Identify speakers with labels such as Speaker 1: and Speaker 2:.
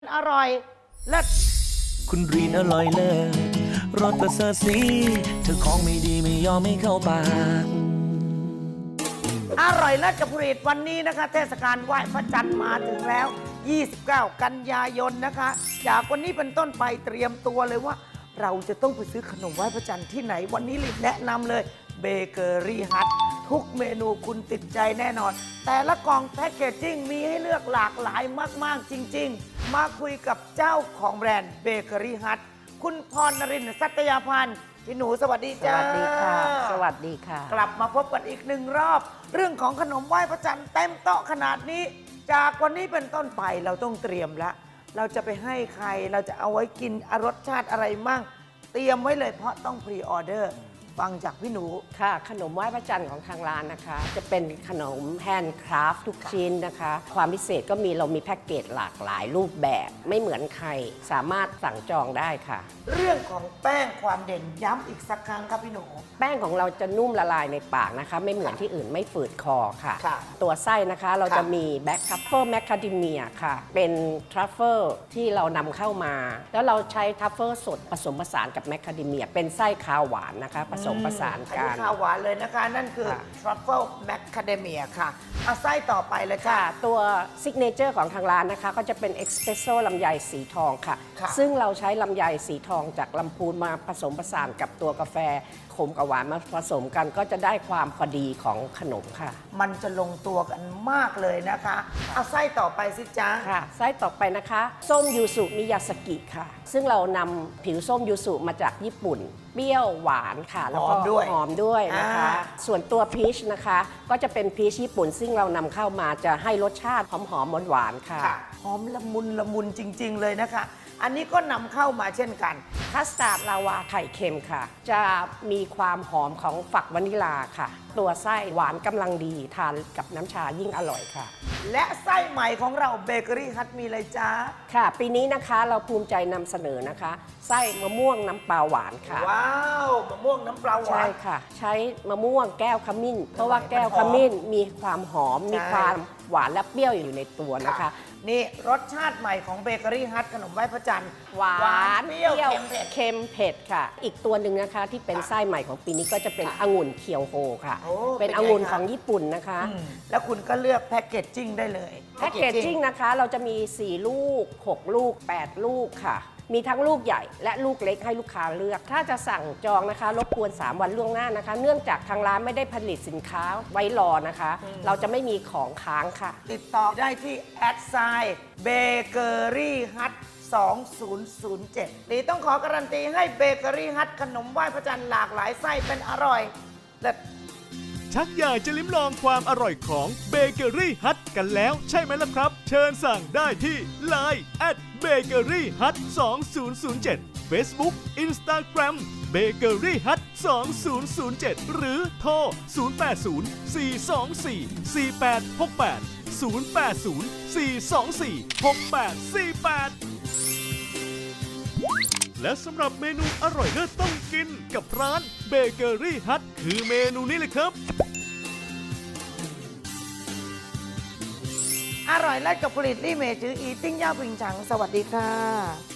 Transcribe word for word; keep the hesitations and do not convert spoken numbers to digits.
Speaker 1: อร่อยเลิศ
Speaker 2: คุณรีนอร่อยเลิศรสประเสริฐสีเธอของไม่ดีไม่ยอมไม่เข้าปาก
Speaker 1: อร่อยเลิศกับผลิตวันนี้นะคะเทศกาลไหว้พระจันทร์มาถึงแล้ว ยี่สิบเก้า กันยายนนะคะ จากวันนี้เป็นต้นไปเตรียมตัวเลยว่า เราจะต้องไปซื้อขนมไหว้พระจันทร์ที่ไหนวันนี้รีบแนะนำเลยเบเกอรี่ฮัททุกเมนูคุณติดใจแน่นอน แต่ละกล่องแพ็กเกจจิ้งมีให้เลือกหลากหลายมากๆจริงๆมาคุยกับเจ้าของแบรนด์เบเกอรี่ฮัทคุณพรนรินทร์สัตยาพันธ์พี่หนูสวัสดี
Speaker 3: ส
Speaker 1: จ้า
Speaker 3: วัสดีค่ะ สวัสดีค่ะ
Speaker 1: กลับมาพบกันอีกหนึ่งรอบ เรื่องของขนมไหว้พระจันทร์เต็มโต๊ะขนาดนี้ จากวันนี้เป็นต้นไปเราต้องเตรียมละเราจะไปให้ใครเราจะเอาไว้กินรสชาติอะไรมั่งเตรียมไว้เลยเพราะต้องพรีออเดอร์ฟังจากพี่หนู
Speaker 3: ค่ะ ขนมไหว้พระจันทร์ของทางร้านนะคะ จะเป็นขนมแฮนด์คราฟต์ทุกชิ้นนะคะ ความพิเศษก็มีเรามีแพ็กเกจหลากหลายรูปแบบไม่เหมือนใคร สามารถสั่งจองได้ค่ะ
Speaker 1: เรื่องของแป้งความเด่นย้ำอีกสักครั้งครับพี่หนู
Speaker 3: แป้งของเราจะนุ่มละลายในปากนะคะ ไม่เหมือนที่อื่นไม่ฝืดคอค่ะ
Speaker 1: ค่ะ
Speaker 3: ตัวไส้นะคะเรา
Speaker 1: ค่ะ
Speaker 3: จะมีแบ็คทัฟเฟิลแมคคาเดเมียค่ะ เป็นทรัฟเฟิลที่เรานำเข้ามา แล้วเราใช้ทรัฟเฟิลสดผสมผสานกับแมคคาเดเมียเป็นไส้คาวหวานนะคะ ผสมผสาน
Speaker 1: อัน
Speaker 3: กั
Speaker 1: นี้
Speaker 3: น
Speaker 1: ข้าวหวานเลยนะคะ นั่นคือ
Speaker 3: ค่ะ
Speaker 1: Truffle Macadamia ค่ะเอาไส้ต่อไปเลยค่ะ
Speaker 3: ค่ะ ตัวซิกเนเจอร์ของทางร้านนะคะ ก็จะเป็นเอ็กซ์เพรสโซ่ลำไยสีทองค่ะ
Speaker 1: ค่ะ
Speaker 3: ซึ่งเราใช้ลำไยสีทองจากลำพูนมาผสมผสานกับตัวกาแฟขมกับหวานมาผสมกันก็จะได้ความพอดีของขนมค่ะ
Speaker 1: มันจะลงตัวกันมากเลยนะคะเอาไส้ต่อไปสิจ๊ะ
Speaker 3: ค่ะไส้ต่อไปนะคะ ส้มยูสุมิยาสกิค่ะ ซึ่งเรานำผิวส้มยูสุมาจากญี่ปุ่น เปรี้ยวหวานค่ะ แล้วก็
Speaker 1: หอมด้วย
Speaker 3: หอมด้วยนะคะ
Speaker 1: อ่า
Speaker 3: ส่วนตัวพีชนะคะ ก็จะเป็นพีชญี่ปุ่น ซึ่งเรานำเข้ามาจะให้รสชาติหอมๆหวานๆค่ะ
Speaker 1: ค่ะหอมละมุนละมุนจริง ๆ เลยนะคะ อันนี้ก็นำเข้ามาเช่นกัน
Speaker 3: คัสตาร์ดลาวาไข่เค็มค่ะ จะมีความหอมของฝักวานิลาค่ะ ตัวไส้หวานกำลังดีทานกับน้ำชายิ่งอร่อยค่ะ
Speaker 1: และไส้ใหม่ของเราเบเกอรี่ฮัทมีเลยจ้า
Speaker 3: ค่ะ ปีนี้นะคะเราภูมิใจนำเสนอนะคะ ไส้มะม่วงน้ำปลาหวานค่ะ
Speaker 1: ว้าวมะม่วงน้ำปลาหวา
Speaker 3: ใช่
Speaker 1: น
Speaker 3: ค่ะ ใช้มะม่วงแก้วขมิ้น เพราะว่าแก้วขมิ้นมีความหอม
Speaker 1: ใช่
Speaker 3: มีความหวานและเปรี้ยวอยู่ในตัวนะคะ
Speaker 1: นี่รสชาติใหม่ของเบเกอรี่ฮัทขนมไหว้พระจันทร์
Speaker 3: หวาน
Speaker 1: เปรี้ยวเค็มเผ็ด
Speaker 3: เค็มเผ็ดค่ะ อีกตัวหนึ่งนะคะที่เป็นไส้ใหม่ของปีนี้ก็จะเป็นองุ่นเคียวโฮค่ะ
Speaker 1: โอ้
Speaker 3: เป็น
Speaker 1: เป็นไง
Speaker 3: องุ่น
Speaker 1: คะ
Speaker 3: ของญี่ปุ่นนะคะ
Speaker 1: อืมแล้วคุณก็เลือกแพ็กเกจจิ้งได้เลย
Speaker 3: แพ็กเกจจิ้งนะคะเราจะมี สี่ ลูก หก ลูก แปด ลูกค่ะ มีทั้งลูกใหญ่และลูกเล็กให้ลูกค้าเลือก ถ้าจะสั่งจองนะคะรบกวน สาม วันล่วงหน้านะคะ เนื่องจากทางร้านไม่ได้ผลิตสินค้าไว้รอนะคะ เราจะไม่มีของค้างค่ะ
Speaker 1: ติดต่อได้ที่แอดไซน์เบเกอรี่ฮัทสองศูนย์ศูนย์เจ็ดนี่ต้องขอการันตีให้เบเกอรี่ฮัทขนมไหว้พระจันทร์หลากหลายไส้เป็นอร่อยเลิศ
Speaker 4: ชักอยากจะลิ้มลองความอร่อยของเบเกอรี่ฮัทกันแล้วใช่ไหมล่ะครับ เชิญสั่งได้ที่ ไลน์ แอท เบเกอรี่ฮัทสองศูนย์ศูนย์เจ็ด Facebook Instagram เบเกอรี่ฮัทสองศูนย์ศูนย์เจ็ด หรือโทร ศูนย์ แปด ศูนย์ สี่ สอง สี่ สี่ แปด หก แปด ศูนย์ แปด ศูนย์ สี่ สอง สี่ หก แปด สี่ แปด และสำหรับเมนูอร่อยเลิศต้องกินกับร้านเบเกอรี่ฮัทคือเมนูนี้เลยครับ
Speaker 1: อร่อยเลิศกับผลิตลี่เมจืออีติ้งย่าปิงฉังสวัสดีค่ะ